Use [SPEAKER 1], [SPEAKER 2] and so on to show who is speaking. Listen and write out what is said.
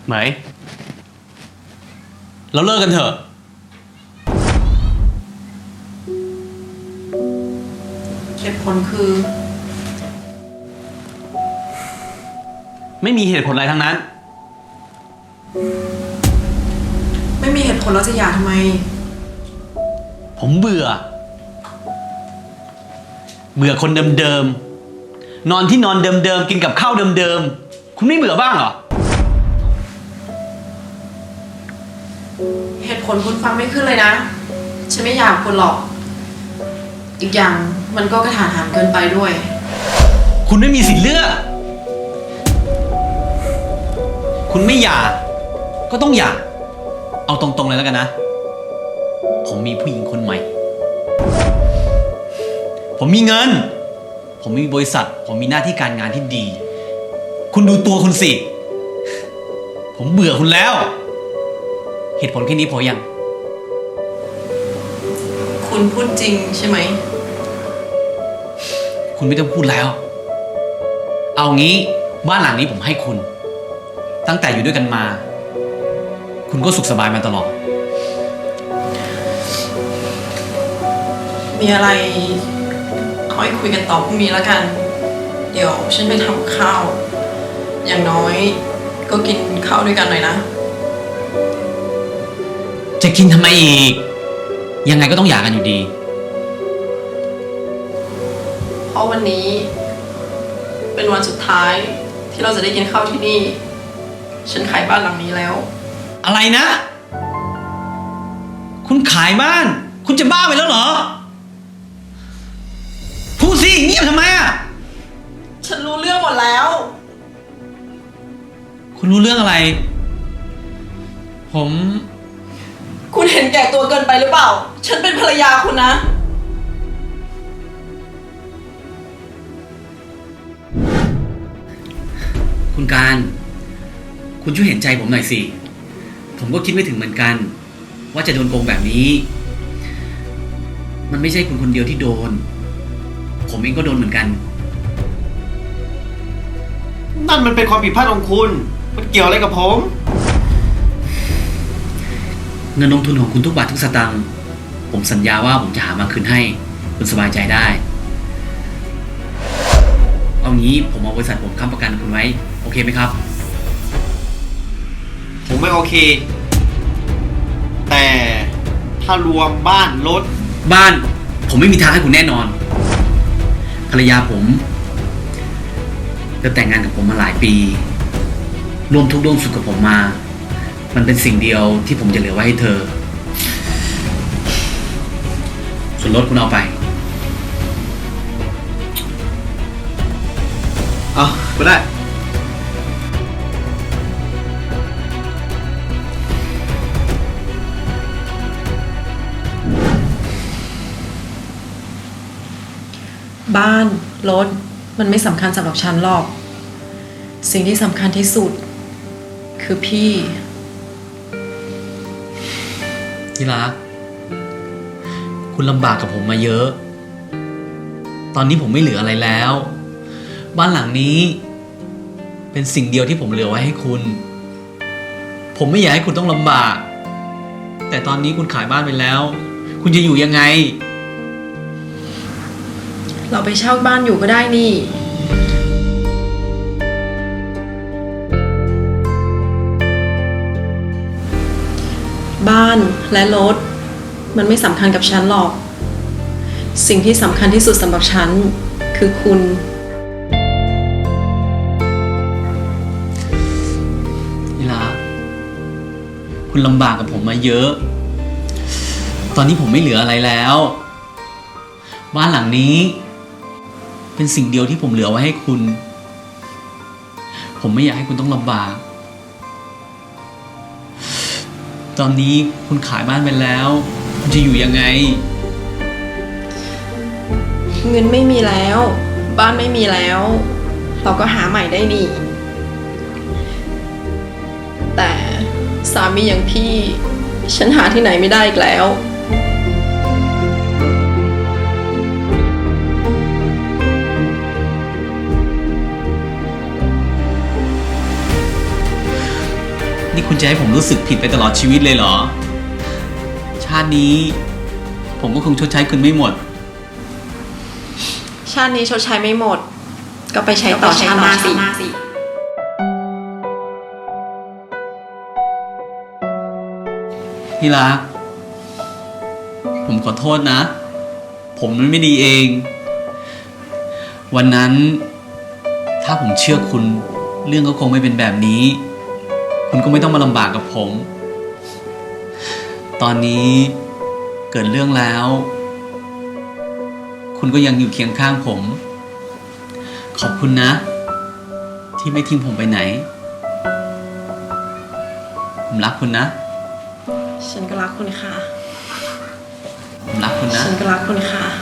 [SPEAKER 1] ไหมเราเลิกกันเถอะ
[SPEAKER 2] เหตุผลคือ
[SPEAKER 1] ไม่มีเหตุผลอะไรทั้งนั้น
[SPEAKER 2] ไม่มีเหตุผลแล้วจะหย่าทำไม
[SPEAKER 1] ผมเบื่อคนเดิมๆนอนที่นอนเดิมๆกินกับข้าวเดิมๆคุณไม่เบื่อบ้างเหรอ
[SPEAKER 2] เหตุผลคุณฟังไม่ขึ้นเลยนะ ฉันไม่อยากคุณหรอก อีกอย่างมันก็กระทันหันเกินไปด้วย
[SPEAKER 1] คุณไม่มีสิทธิ์เลือกคุณไม่หย่าก็ต้องหย่าเอาตรงๆเลยแล้วกันนะผมมีผู้หญิงคนใหม่ผมมีเงินผมมีบริษัทผมมีหน้าที่การงานที่ดี คุณดูตัวคุณสิผมเบื่อคุณแล้วเหตุผลแค่นี้พอยัง
[SPEAKER 2] คุณพูดจริงใช่ไหม
[SPEAKER 1] คุณไม่ต้องพูดแล้วเอางี้บ้านหลังนี้ผมให้คุณตั้งแต่อยู่ด้วยกันมาคุณก็สุขสบายมาตลอด
[SPEAKER 2] มีอะไรค่อยคุยกันต่อพรุ่งนี้แล้วกัน เดี๋ยวฉันไปทำข้าว อย่างน้อยก็กินข้าวด้วยกันหน่อยนะ
[SPEAKER 1] จะกินทำไมอีกยังไงก็ต้องหย่ากันอยู่ดี
[SPEAKER 2] เพราะวันนี้เป็นวันสุดท้ายที่เราจะได้กินข้าวที่นี่ ฉันขายบ้านหลังนี้แล้ว
[SPEAKER 1] อะไรนะคุณขายบ้านคุณจะบ้าไปแล้วเหรอพูดสิเงียบทำไมอ่ะ
[SPEAKER 2] ฉันรู้เรื่องหมดแล้ว
[SPEAKER 1] คุณรู้เรื่องอะไรผม
[SPEAKER 2] คุณเห็นแก่ตัวเกินไปหรือเปล่า ฉันเป็นภรรยาคุณนะ
[SPEAKER 1] คุณการคุณช่วยเห็นใจผมหน่อยสิผมก็คิดไม่ถึงเหมือนกันว่าจะโดนโกงแบบนี้มันไม่ใช่คุณคนเดียวที่โดนผมเองก็โดนเหมือนกัน
[SPEAKER 3] นั่นมันเป็นความผิดพลาดของคุณมันเกี่ยวอะไรกับผม
[SPEAKER 1] เงินลงทุนของคุณทุกบาททุกสตางค์ผมสัญญาว่าผมจะหามาคืนให้คุณสบายใจได้เอางี้ผมเอาบริษัทผมค้ำประกันคุณไว้โอเคไหมครับ
[SPEAKER 3] ผมไม่โอเคแต่ถ้ารวมบ้านรถ
[SPEAKER 1] บ้านผมไม่มีทางให้คุณแน่นอนภรรยาผมเธอแต่งงานกับผมมาหลายปีร่วมทุกข์ร่วมสุขกับผมมามันเป็นสิ่งเดียวที่ผมจะเหลือไว้ให้เธอส่วนรถคุณเอาไป
[SPEAKER 3] เอาก็ได้
[SPEAKER 2] บ้านรถมันไม่สำคัญสำหรับฉันหรอก สิ่งที่สำคัญที่สุด คือพี่
[SPEAKER 1] ที่รักคุณลำบากกับผมมาเยอะตอนนี้ผมไม่เหลืออะไรแล้วบ้านหลังนี้เป็นสิ่งเดียวที่ผมเหลือไว้ให้คุณผมไม่อยากให้คุณต้องลำบากแต่ตอนนี้คุณขายบ้านไปแล้วคุณจะอยู่ยังไง
[SPEAKER 2] เราไปเช่าบ้านอยู่ก็ได้นี่ บ้านและรถมันไม่สำคัญกับฉันหรอก สิ่งที่สำคัญที่สุดสำหรับฉันคือคุณ
[SPEAKER 1] นี่ละคุณลำบากกับผมมาเยอะตอนนี้ผมไม่เหลืออะไรแล้วบ้านหลังนี้เป็นสิ่งเดียวที่ผมเหลือไว้ให้คุณผมไม่อยากให้คุณต้องลำบากตอนนี้คุณขายบ้านไปแล้วคุณจะอยู่ยังไง
[SPEAKER 2] เงินไม่มีแล้วบ้านไม่มีแล้วเราก็หาใหม่ได้นี่แต่สามีอย่างพี่ฉันหาที่ไหนไม่ได้อีกแล้ว
[SPEAKER 1] นี่คุณจะให้ผมรู้สึกผิดไปตลอดชีวิตเลยเหรอ ชาตินี้ผมก็คงชดใช้คุณไม่หมด
[SPEAKER 2] ชาตินี้ชดใช้ไม่หมด ก็ไปใช้ต่อชาติหน้าสิ
[SPEAKER 1] ที่รัก ผมขอโทษนะ ผมมันไม่ดีเอง วันนั้นถ้าผมเชื่อคุณ เรื่องก็คงไม่เป็นแบบนี้ คุณก็ไม่ต้องมาลำบากกับผม ตอนนี้เกิดเรื่องแล้ว คุณก็ยังอยู่เคียงข้างผม ขอบคุณนะ ที่ไม่ทิ้งผมไปไหน ผมรักคุณนะ
[SPEAKER 2] ฉันก็รักคุณค่ะ
[SPEAKER 1] ผมรักคุณนะ
[SPEAKER 2] ฉันก็รักคุณค่ะ